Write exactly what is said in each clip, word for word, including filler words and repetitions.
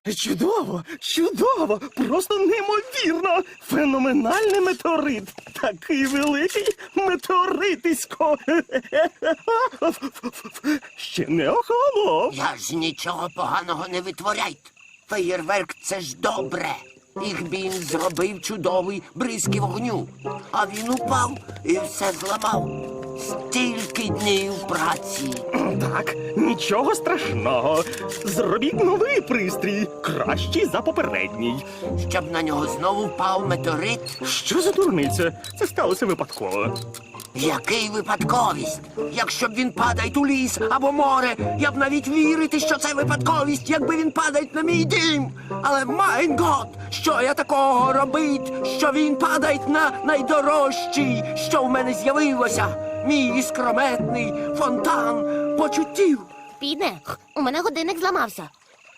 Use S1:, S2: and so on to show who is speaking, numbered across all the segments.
S1: Чудово, чудово, просто неймовірно. Феноменальний метеорит. Такий великий метеоритисько. Ще не охолонув.
S2: Я ж нічого поганого не витворяйте. Феєрверк – це ж добре. Ігбін зробив чудовий бризки вогню. А він упав і все зламав. Стільки днів праці.
S1: Так, нічого страшного. Зробіть новий пристрій, кращий за попередній.
S2: Щоб на нього знову впав метеорит.
S1: Що за дурниця? Це сталося випадково.
S2: Який випадковість? Якщо б він падає у ліс або море, я б навіть вірити, що це випадковість, якби він падає на мій дім. Але, майн гот, що я такого робить, що він падає на найдорожчий, що в мене з'явилося? Мій іскрометний фонтан почуттів.
S3: Піде, у мене годинник зламався.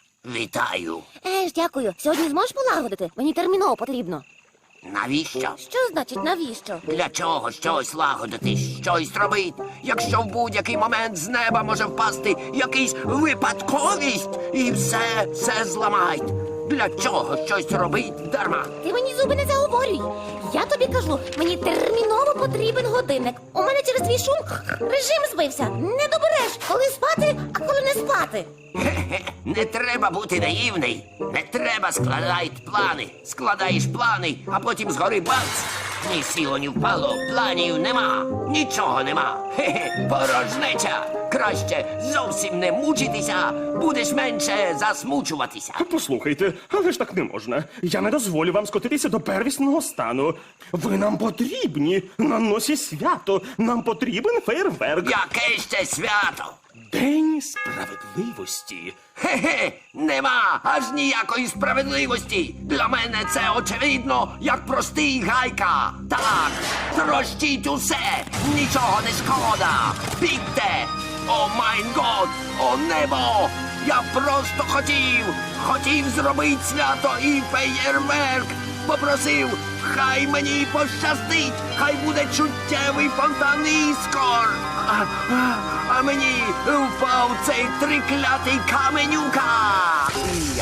S2: Вітаю.
S3: Еж, дякую. Сьогодні зможеш полагодити? Мені терміново потрібно.
S2: Навіщо?
S3: Що значить навіщо?
S2: Для чого щось лагодити, щось робити, якщо в будь-який момент з неба може впасти якийсь випадковість і все, все зламають? Для чого щось робить дарма?
S3: Ти мені зуби не заговорюй. Я тобі кажу, мені терміново потрібен годинник. У мене через твій шум режим збився. Не добереш, коли спати, а коли не спати.
S2: Хе-хе, не треба бути наївний. Не треба складати плани. Складаєш плани, а потім згори бац. Ні сіло, ні впало, планів нема. Нічого нема. Хе-хе, порожнеча. Краще зовсім не мучитися, будеш менше засмучуватися.
S1: Послухайте, але ж так не можна. Я не дозволю вам скотитися до первісного стану. Ви нам потрібні. На носі свято. Нам потрібен фейерверк.
S2: Яке ще свято?
S1: День справедливості.
S2: Хе-хе, нема аж ніякої справедливості. Для мене це очевидно, як простий гайка. Так, трощіть усе, нічого не шкода. Бігте! О майн год, о небо! Я просто хотів, хотів зробити свято і феєрверк. Попросив, хай мені пощастить, хай буде чуттєвий фонтан іскор. А, а, а мені впав цей триклятий каменюка. Я.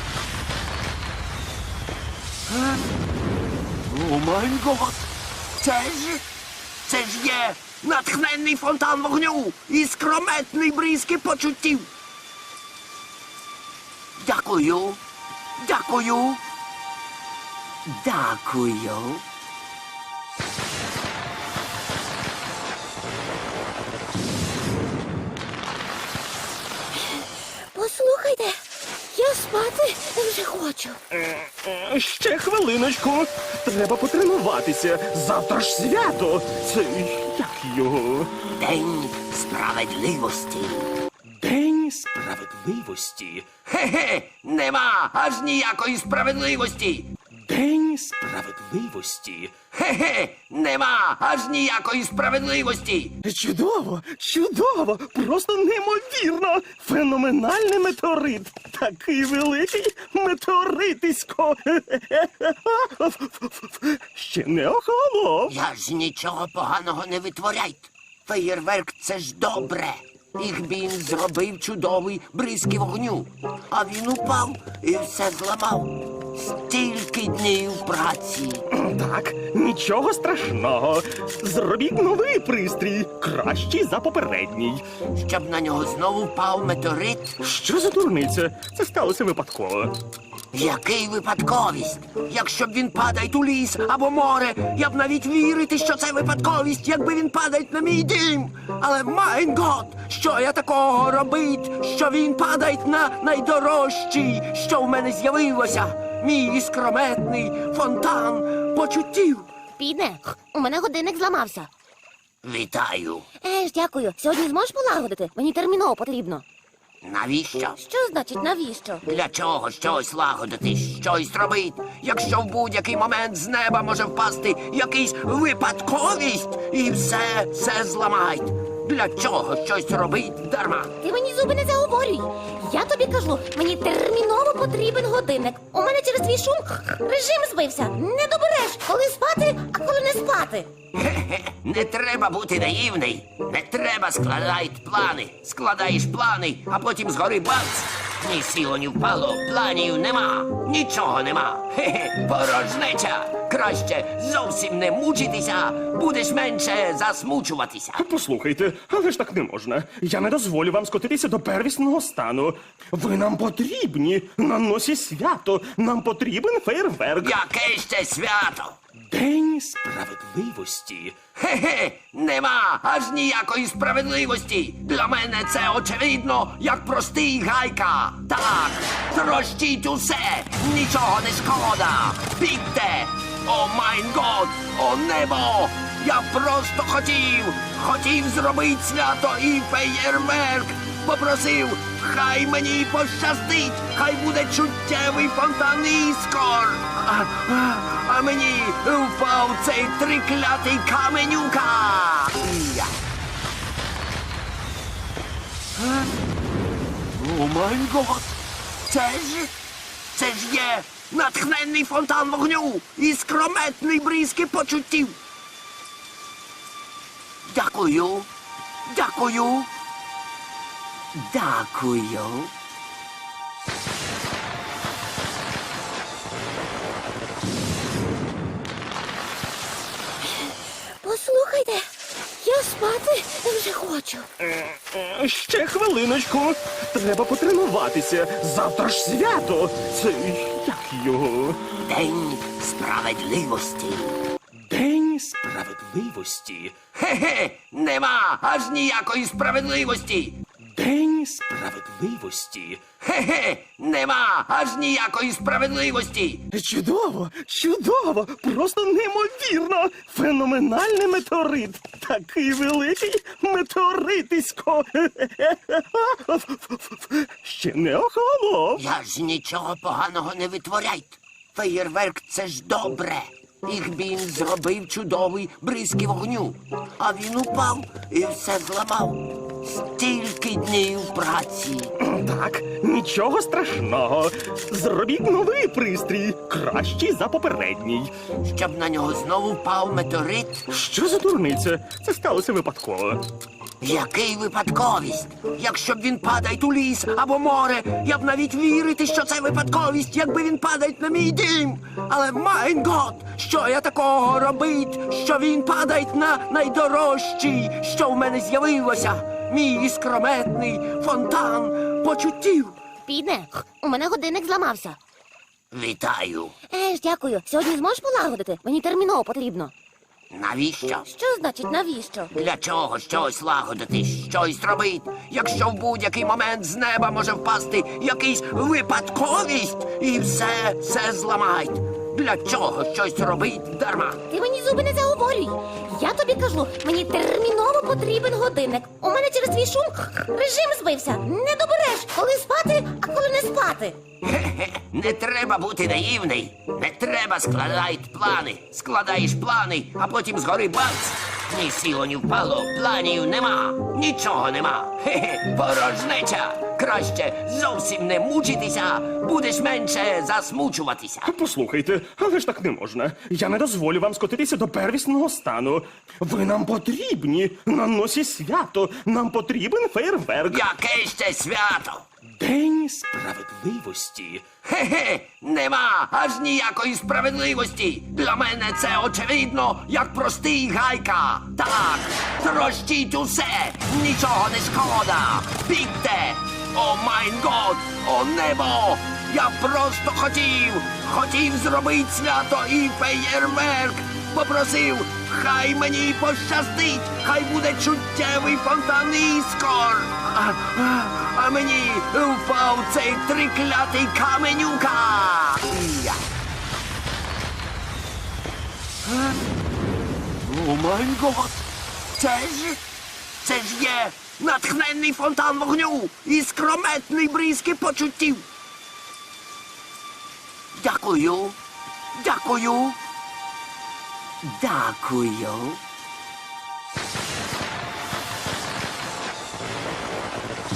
S2: Е? О май гот! Це ж, це ж є натхненний фонтан вогню і скрометний бризки почуттів. Дякую, дякую, дякую.
S3: Послухайте, я спати вже хочу.
S1: Е, Ще хвилиночку. Треба потренуватися. Завтра ж свято. Це як його?
S2: День справедливості.
S1: День справедливості.
S2: Хе-хе, нема аж ніякої справедливості.
S1: День справедливості.
S2: Хе-хе, нема аж ніякої справедливості.
S1: Чудово, чудово, просто неймовірно. Феноменальний метеорит. Такий великий метеоритисько. Ще не охолонув.
S2: Я ж нічого поганого не витворяйте. Феєрверк – це ж добре. Ігбін зробив чудовий бризки вогню. А він упав і все зламав. Стільки днів праці.
S1: Так, нічого страшного. Зробіть новий пристрій, кращий за попередній.
S2: Щоб на нього знову впав метеорит.
S1: Що за дурниця? Це сталося випадково.
S2: Який випадковість? Якщо б він падає у ліс або море, я б навіть вірити, що це випадковість, якби він падає на мій дім. Але, майн гот, що я такого робить, що він падає на найдорожчий, що в мене з'явилося? Мій іскрометний фонтан почуттів.
S3: Піде, у мене годинник зламався.
S2: Вітаю.
S3: Еж, дякую. Сьогодні зможеш полагодити? Мені терміново потрібно.
S2: Навіщо?
S3: Що значить навіщо?
S2: Для чого щось лагодити, щось робити, якщо в будь-який момент з неба може впасти якийсь випадковість і все, все зламають? Для чого щось робить дарма?
S3: Ти мені зуби не заговорюй. Я тобі кажу, мені терміново потрібен годинник. У мене через твій шум режим збився. Не добереш, коли спати, а коли не спати.
S2: Хе-хе, не треба бути наївний. Не треба складати плани. Складаєш плани, а потім згори бац. Ні сіло, ні впало, планів нема, нічого нема. Хе-хе, порожнеча. Краще зовсім не мучитися, будеш менше засмучуватися.
S1: Послухайте, але ж так не можна. Я не дозволю вам скотитися до первісного стану. Ви нам потрібні на носі свято. Нам потрібен фейерверк.
S2: Яке ще свято?
S1: День справедливості.
S2: Хе-хе, нема аж ніякої справедливості. Для мене це очевидно, як простий гайка. Так, трощіть усе, нічого не шкода. Бігте! О майн год, о небо! Я просто хотів, хотів зробити свято і феєрверк. Попросив, хай мені пощастить, хай буде чуттєвий фонтан іскор. А, а, а мені впав цей триклятий каменюка. Я. Е? О май гот! Це ж, це ж є натхненний фонтан вогню і скрометний бризки почуттів. Дякую, дякую. Дякую.
S3: Послухайте, я спати вже хочу.
S1: Е, Ще хвилиночку. Треба потренуватися. Завтра ж свято. Це як його?
S2: День справедливості.
S1: День справедливості.
S2: Хе-хе, нема аж ніякої справедливості.
S1: День справедливості.
S2: Хе-хе, нема аж ніякої справедливості.
S1: Чудово, чудово, просто неймовірно. Феноменальний метеорит. Такий великий метеоритисько. Ще не охолонув.
S2: Я ж нічого поганого не витворяйте. Феєрверк — це ж добре. Їх він зробив чудовий бризки вогню. А він упав і все зламав. Стільки днів праці.
S1: Так, нічого страшного. Зробіть новий пристрій, кращий за попередній.
S2: Щоб на нього знову впав метеорит.
S1: Що за дурниця? Це сталося випадково.
S2: Який випадковість? Якщо б він падає у ліс або море, я б навіть вірити, що це випадковість, якби він падає на мій дім. Але майн гот, що я такого робить, що він падає на найдорожчий, що в мене з'явилося? Мій іскрометний фонтан почуттів.
S3: Підне, у мене годинник зламався.
S2: Вітаю.
S3: Е ж, дякую. Сьогодні зможеш полагодити? Мені терміново потрібно.
S2: Навіщо?
S3: Що значить навіщо?
S2: Для чого щось лагодити, щось робить, якщо в будь-який момент з неба може впасти якийсь випадковість і все, все зламають? Для чого щось робить дарма?
S3: Ти мені зуби не заговорюй. Я тобі кажу, мені терміново потрібен годинник. У мене через твій шум режим збився. Не добереш, коли спати, а коли не спати.
S2: Хе-хе, не треба бути наївний. Не треба складати плани. Складаєш плани, а потім згори бац. Ні сіло, ні впало, планів нема, нічого нема. Хе-хе, порожнеча. Краще зовсім не мучитися, будеш менше засмучуватися.
S1: Послухайте, але ж так не можна. Я не дозволю вам скотитися до первісного стану. Ви нам потрібні на носі свято. Нам потрібен фейерверк.
S2: Яке ще свято?
S1: День справедливості.
S2: Хе-хе, нема аж ніякої справедливості. Для мене це очевидно, як простий гайка. Так, трощіть усе, нічого не шкода. Бігте! О майн год, о небо! Я просто хотів, хотів зробити свято і феєрверк. Попросив, хай мені пощастить, хай буде чуттєвий фонтан іскор. А, а, а мені впав цей триклятий каменюка. Я. Е? О май гот! Це ж, це ж є натхненний фонтан вогню і скрометний бризки почуттів. Дякую, дякую, дякую.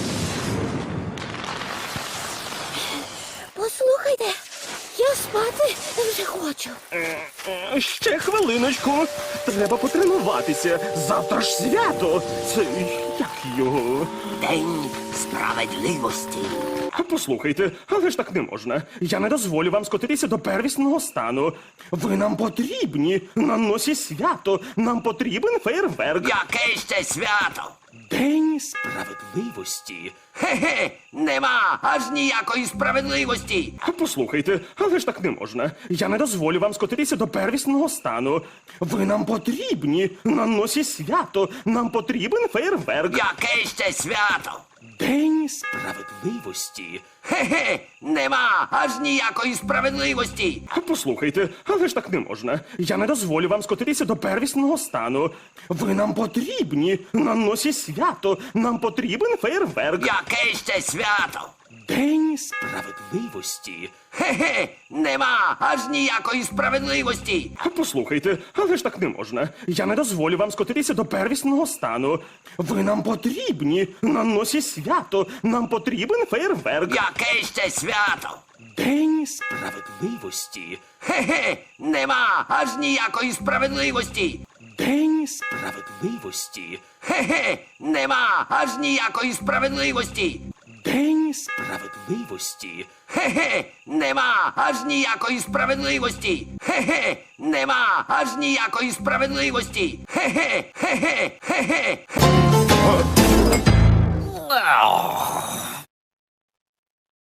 S3: Послухайте, я спати Ой, вже хочу.
S1: Е, Ще хвилиночку. Треба потренуватися. Завтра ж свято. Це як його?
S2: День справедливості.
S1: Послухайте, але ж так не можна. Я не дозволю вам скотитися до первісного стану. Ви нам потрібні на носі свято. Нам потрібен фейерверк.
S2: Яке ще свято?
S1: День справедливості.
S2: Хе-хе, нема аж ніякої справедливості.
S1: Послухайте, але ж так не можна. Я не дозволю вам скотитися до первісного стану. Ви нам потрібні на носі свято. Нам потрібен фейерверк.
S2: Яке ще свято?
S1: День справедливості.
S2: Хе-хе, нема аж ніякої справедливості.
S1: Послухайте, але ж так не можна. Я не дозволю вам скотитися до первісного стану. Ви нам потрібні на носі свято. Нам потрібен фейерверк.
S2: Яке ще свято?
S1: День справедливості.
S2: Хе-хе, нема аж ніякої справедливості.
S1: Послухайте, але ж так не можна. Я не дозволю вам скотитися до первісного стану. Ви нам потрібні на носі свято. Нам потрібен фейерверк.
S2: Яке ще свято?
S1: День справедливості.
S2: Хе-хе, нема аж ніякої справедливості.
S1: День справедливості.
S2: Хе-хе, нема аж ніякої справедливості.
S1: День справедливості.
S2: Хе-хе, нема аж ніякої справедливості. Хе-хе, нема аж ніякої справедливості. Хе-хе, хе-хе, хе-хе.